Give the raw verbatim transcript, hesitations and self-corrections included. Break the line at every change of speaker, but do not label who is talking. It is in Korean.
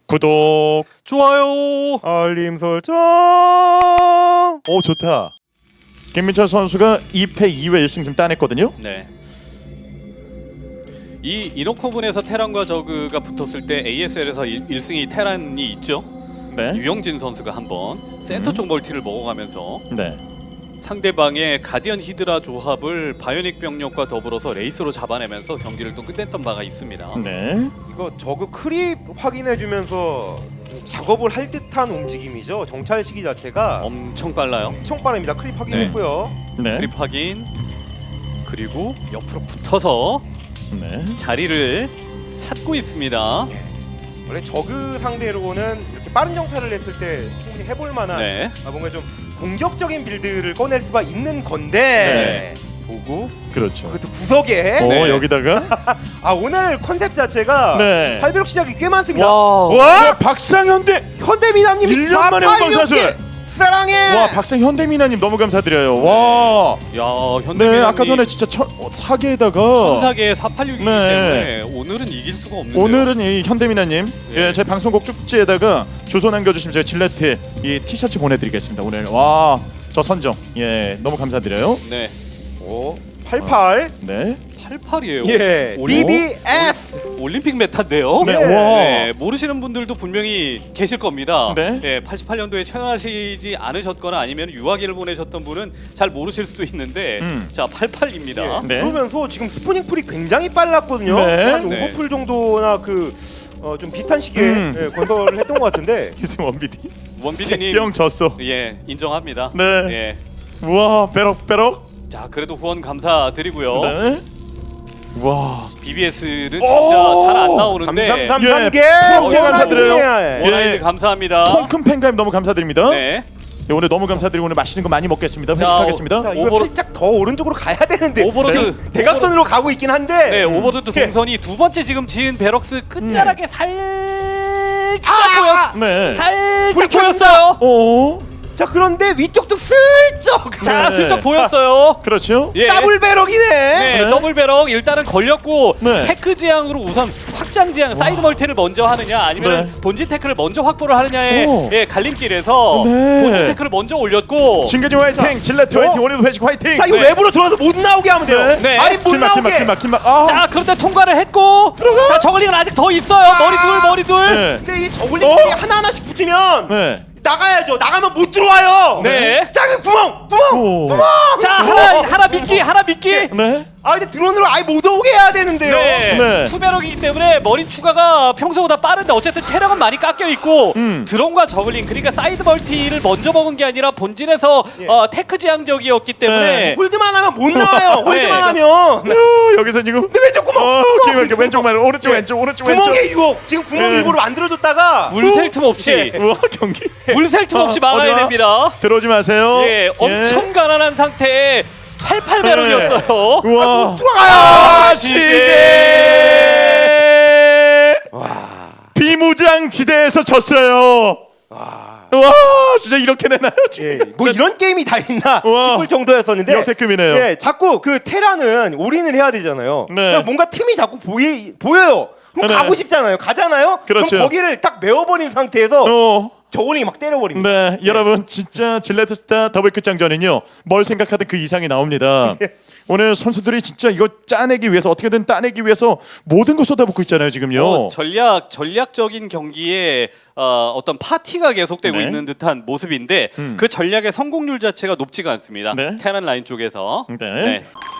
구독,
좋아요,
알림 설정. 오 좋다. 김민철 선수가 이 패 이 회 일 승 좀 따냈거든요.
네. 이 이노코분에서 테란과 저그가 붙었을 때 에이에스엘에서 일 승이 테란이 있죠.
네.
유영진 선수가 한번 센터 쪽 멀티를 먹어가면서
네.
상대방의 가디언 히드라 조합을 바이오닉 병력과 더불어서 레이스로 잡아내면서 경기를 또 끝냈던 바가 있습니다.
네.
이거 저그 크립 확인해주면서 작업을 할 듯한 움직임이죠. 정찰 시기 자체가
엄청 빨라요.
엄청 빠릅니다. 크립 확인했고요.
네.
크립 확인, 그리고 옆으로 붙어서
네.
자리를 찾고 있습니다.
원래 저그 상대로는 이렇게 빠른 정찰을 했을 때 충분히 해볼 만한
네.
아, 뭔가 좀 공격적인 빌드를 꺼낼 수가 있는 건데 보고
그렇죠.
그것도 구석에
오
네.
여기다가
아 오늘 컨셉 자체가
네.
팔비록 시작이 꽤 많습니다.
와.
와!
박상현대.
현대미남님이
일 년 만에 운방사슬.
사랑해.
와 박상 현대미나님 너무 감사드려요. 와.
야, 현대미남이
네 아까 전에 진짜 천, 어, 사계에다가
천사계의 사팔육이기
네.
때문에 오늘은 이길 수가 없는데요.
오늘은 이 현대미나님
예.
예, 제 방송국 쪽지에다가 주소 남겨주시면 제가 질레트 이 티셔츠 보내드리겠습니다. 오늘 와 저 선정 예 너무 감사드려요.
네.
오, 팔팔.
네.
팔팔이에요.
예.
올림-
비비에스.
올림픽 메타인데요.
네.
네.
와.
네, 모르시는 분들도 분명히 계실 겁니다.
네.
예, 팔십팔 년도에 태어나시지 않으셨거나 아니면 유아기를 보내셨던 분은 잘 모르실 수도 있는데
음.
자, 팔팔입니다.
예.
네.
그러면서 지금 스푸닝 풀이 굉장히 빨랐거든요.
네.
한
네.
오버풀 정도나 그 어, 좀 비슷한 시기에
음.
예, 건설을 했던 것 같은데
희승 원비디
원비디님
형 졌어.
예, 인정합니다.
네.
예.
우와 빼럭 빼럭.
자, 그래도 후원 감사드리고요.
네. 와.
비비에스는 진짜 잘 안 나오는데
삼삼삼
예,
한 개.
프로게 감사드려요.
원아이드
예.
감사합니다.
통큰 팬가임 너무 감사드립니다.
네.
예, 오늘 너무 감사드리고 오늘 맛있는 거 많이 먹겠습니다.
자,
회식하겠습니다.
자, 이거
오버로-
살짝 더 오른쪽으로 가야 되는데
오버로드
대- 대각선으로 가고 있긴 한데
네, 오버로드
예.
동선이 두 번째 지금 지은 베럭스 끝자락에 살짝
아!
보였
네.
살짝
불이 켜진다.
보였어요.
어.
자 그런데 위쪽도 슬쩍
자,
네.
슬쩍 보였어요.
그렇죠.
예.
더블 배럭이네.
네,
네.
더블 배럭 일단은 걸렸고
네.
테크 지향으로 우선 확장 지향 사이드 멀티를 먼저 하느냐 아니면
네.
본진 테크를 먼저 확보를 하느냐의
오.
예, 갈림길에서
네.
본진 테크를 먼저 올렸고
진계진 화이팅, 질레트
어?
화이팅, 오늘도 회식 화이팅.
자 이거
네.
외부로 들어와서 못 나오게 하면 돼요.
네.
네.
아니 못
길막
나오게.
길막 길막 길막. 아.
자, 그런데 통과를 했고 자, 저글링은 아직 더 있어요. 머리 둘 머리 둘.
네.
근데 이 저글링들이
어?
하나 하나씩 붙으면
네.
나가야죠. 나가면 못 들어와요.
네.
작은 구멍, 구멍,
오.
구멍.
자, 하나 하나 미끼 하나 미끼.
네.
아 근데 드론으로 아예 못 오게 해야 되는데요.
네.
네.
투배럭이기 때문에 머리 추가가 평소보다 빠른데 어쨌든 체력은 많이 깎여 있고
음.
드론과 저글링 그러니까 사이드 멀티를 먼저 먹은 게 아니라 본진에서
예.
어, 테크 지향적이었기 때문에
네.
홀드만 하면 못 나와요. 홀드만
네.
하면.
어, 여기서 지금.
근데 왼쪽 구멍.
어,
구멍,
오케이, 왼쪽만 오른쪽
예.
왼쪽 오른쪽 왼쪽.
구멍의 유혹. 지금 구멍
네.
일부러 만들어줬다가
물 셀 틈 없이
예.
우와 경기.
물 셀 틈 없이
어,
막아야
어디야?
됩니다.
들어오지 마세요.
예, 엄청 가난한 상태에 팔십팔 배럭이었어요.
우와.
들어가요.
아, 시제. 비무장 지대에서 졌어요. 와, 진짜 이렇게 내나요?
예, 뭐 이런 게임이 다 있나
우와.
싶을 정도였었는데
역대급이네요.
예, 자꾸 그 테라는 올인을 해야 되잖아요.
네.
그러니까 뭔가 틈이 자꾸 보이, 보여요. 그럼
네.
가고 싶잖아요. 가잖아요.
그렇죠.
그럼 거기를 딱 메워버린 상태에서
어.
저울링이 막 때려버립니다.
네, 여러분 진짜 질레트 스타 더블 끝장전은요 뭘 생각하든 그 이상이 나옵니다. 오늘 선수들이 진짜 이거 짜내기 위해서 어떻게든 따내기 위해서 모든 걸 쏟아붓고 있잖아요 지금요.
어, 전략 전략적인 경기에 어, 어떤 파티가 계속되고
네.
있는 듯한 모습인데
음.
그 전략의 성공률 자체가 높지가 않습니다.
네.
테란 라인 쪽에서.
네.
네.